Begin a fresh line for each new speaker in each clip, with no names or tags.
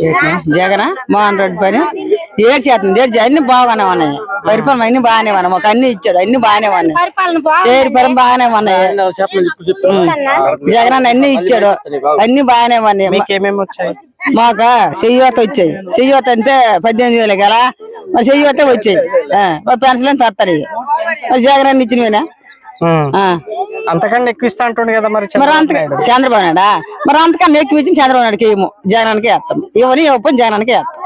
జగన్ మోహన్ రెడ్డి పని ఏడ్చేస్తుంది అన్ని బాగానే ఉన్నాయి. పరిపాలన అన్ని బాగానే ఉన్నాయి. మాకు అన్ని ఇచ్చాడు, అన్ని బాగానే ఉన్నాయి. చేరి పరం బాగానే ఉన్నాయి. జగన్ అన్ని ఇచ్చాడు, అన్ని బాగానే ఉన్నాయి. మాకు చెయ్యత వచ్చాయి. చెయ్యత అంటే 18,000 గల మరి చెయ్యతే వచ్చాయి. పెన్షన్ తత్తారు జగన్ అన్ని ఇచ్చినవేనా?
అంతకన్నా ఎక్కువ ఇస్తా అంటుండే కదా మరి
చంద్రబాబు నాయుడా? మరి అంతకన్నా ఎక్కువ ఇచ్చిన చంద్రబాబు నాయుడుకి ఏమో జగనానికి వేస్తాం. ఇవన్నీ ఇవ్వని జగనానికి వేస్తాం.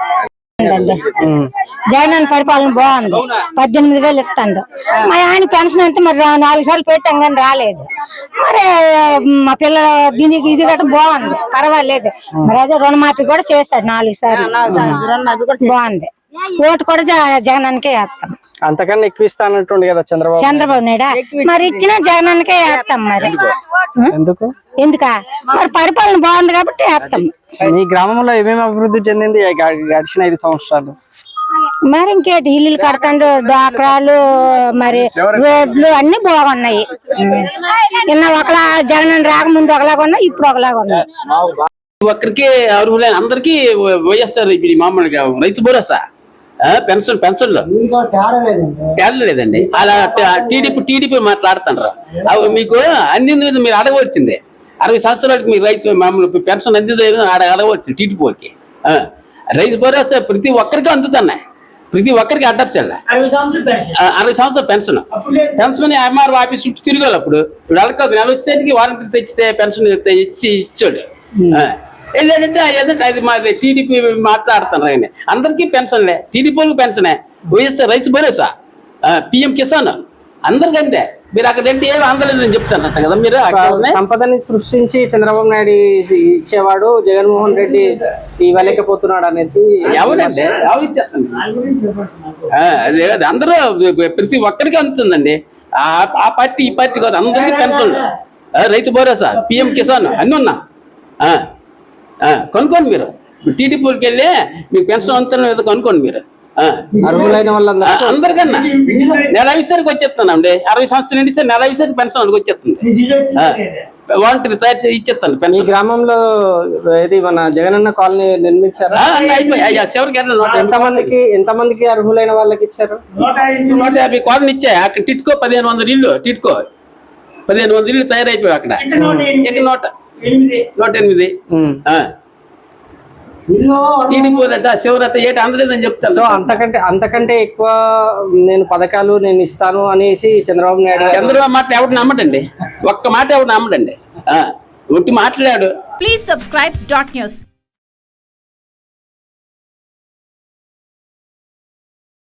జగన్ పరిపాలన బాగుంది. 18,000 ఇస్తాడు. మరి ఆయన పెన్షన్ అయితే మరి 4 సార్లు పెట్టాం కానీ రాలేదు. మరి మా పిల్లల దీనికి ఇది గట్రా బాగుంది, పర్వాలేదు. మరి అదే రుణమాఫీ కూడా చేశాడు 4 సార్లు, బాగుంది. ఓటు కూడా జగనానికే వేస్తాం.
అంతకన్నా ఎక్కువ ఇస్తానంటుండే కదా
చంద్రబాబు నాయుడు. మరి ఇచ్చిన జగనానికే వేస్తాం. మరి ఎందుకా? మరి పరిపాలన బాగుంది కాబట్టి వేస్తాం.
మీ గ్రామంలో ఏమేమి అభివృద్ధి చెందింది గడిచిన 5 సంవత్సరాలు?
మరి ఇంకేటి ఇల్లు కడతాండు, డాక్రాలు, మరి రోడ్లు అన్ని బాగున్నాయి. నిన్న ఒకలా జగన్ రాకముందు ఒకలాగా ఉన్నాయి, ఇప్పుడు ఒకలాగా ఉన్నాయి.
ఒక్కరికి అర్హులైన అందరికి వైఎస్ఆర్ మామూలుగా రైతు భరోసా పెన్షన్లు తేడా లేదండి. అలా టీడీపీ మాట్లాడుతున్నారు. అవి మీకు అందింది మీరు అడగవచ్చింది. 60 సంవత్సరాలకి మీరు రైతు మామూలు పెన్షన్ అందింది అడగవచ్చు. టీడీపీ వాళ్ళకి రైతు భరోసా ప్రతి ఒక్కరికి అందుతున్నాయి. ప్రతి ఒక్కరికి అడ్డర్చండి. 60 సంవత్సరాల పెన్షన్ ఎంఆర్ఓ ఆఫీస్ చుట్టూ తిరగాలి. అప్పుడు ఇప్పుడు నెల వచ్చేటికి వారంటీ తెచ్చితే పెన్షన్ ఇచ్చాడు. ఏంటంటే అది మా టీడీపీ మాట్లాడుతున్నారు. ఆయన అందరికీ పెన్షన్లే, టీడీపీ వాళ్ళకి పెన్షనే, వైఎస్ఆర్ రైతు భరోసా, పిఎం కిసాన్ అందరికంటే. మీరు అక్కడ ఏమి అందలేదని చెప్తారంట కదా. మీరు
సంపదని సృష్టించి చంద్రబాబు నాయుడు ఇచ్చేవాడు, జగన్మోహన్ రెడ్డి ఇవ్వలేకపోతున్నాడు అనేసి
ఎవరంటే అదే అందరూ ప్రతి ఒక్కరికి అందుతుందండి. ఆ పార్టీ ఈ పార్టీ కాదు, అందరికీ పెన్షన్లు, రైతు భరోసా, పిఎం కిసాన్ అన్నీ ఉన్నా. కొనుక్కోండి. మీరు టీడీపీకి వెళ్ళి మీకు పెన్షన్ అంతా కొనుక్కోండి. మీరు
అర్హులైన వాళ్ళందరూ
అందరికన్నా నెల విషయానికి వచ్చేస్తానండి. 60 సంవత్సరాల నుండి నెల విషయానికి పెన్షన్ వాళ్ళకి వచ్చేస్తుంది. వాలంటీర్ తయారు చేసి ఇచ్చేస్తాను పెన్షన్.
గ్రామంలో ఇది మన జగనన్న కాలనీ నిర్మించారా? ఎంతమందికి అర్హులైన వాళ్ళకి ఇచ్చారు?
150 కాలనీ ఇచ్చాయి. అక్కడ టిట్కో 1500 ఇల్లు, టిట్కో 1500 ఇల్లు తయారైపోయాయి. అక్కడ 108 శివరత ఏటి అందలేదని చెప్తాను.
సో అంతకంటే ఎక్కువ నేను పథకాలు నేను ఇస్తాను అనేసి చంద్రబాబు
మాట ఎవరు నమ్మడండి. ఒక్క మాట ఎవరు నమ్మడండి. ఒట్టి మాట్లాడాడు.
Please subscribe .news.